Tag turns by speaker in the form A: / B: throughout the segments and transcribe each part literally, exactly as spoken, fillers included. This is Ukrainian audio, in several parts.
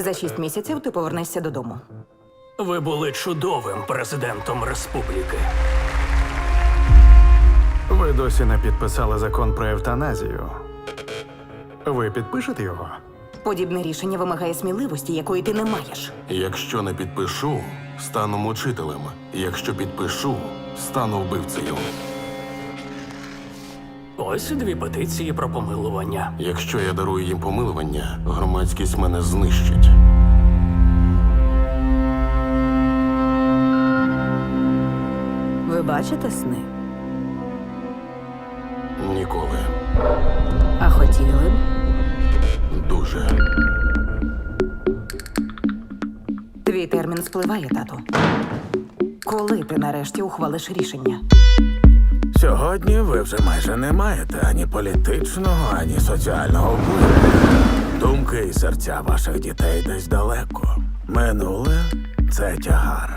A: За шість місяців ти повернешся додому.
B: Ви були чудовим президентом республіки.
C: Ви досі не підписали закон про евтаназію. Ви підпишете його?
A: Подібне рішення вимагає сміливості, якої ти не маєш.
D: Якщо не підпишу, стану мучителем. Якщо підпишу, стану вбивцею.
B: Ось дві петиції про помилування.
D: Якщо я дарую їм помилування, громадськість мене знищить.
A: Ви бачите сни?
D: Ніколи.
A: А хотіли б?
D: Дуже.
A: Твій термін спливає, тату. Коли ти нарешті ухвалиш рішення?
E: Сьогодні ви вже майже не маєте ані політичного, ані соціального впливу. Думки і серця ваших дітей десь далеко. Минуле – це тягар.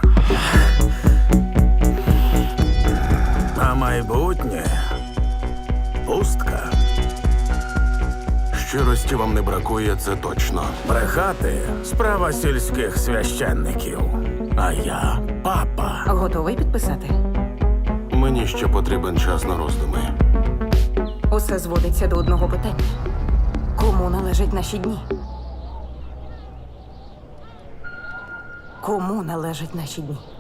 E: А майбутнє – пустка.
D: Щирості вам не бракує, це точно.
E: Брехати – справа сільських священників. А я – папа.
A: Готовий підписати?
D: Мені ще потрібен час на роздуми.
A: Усе зводиться до одного питання. Кому належать наші дні? Кому належать наші дні?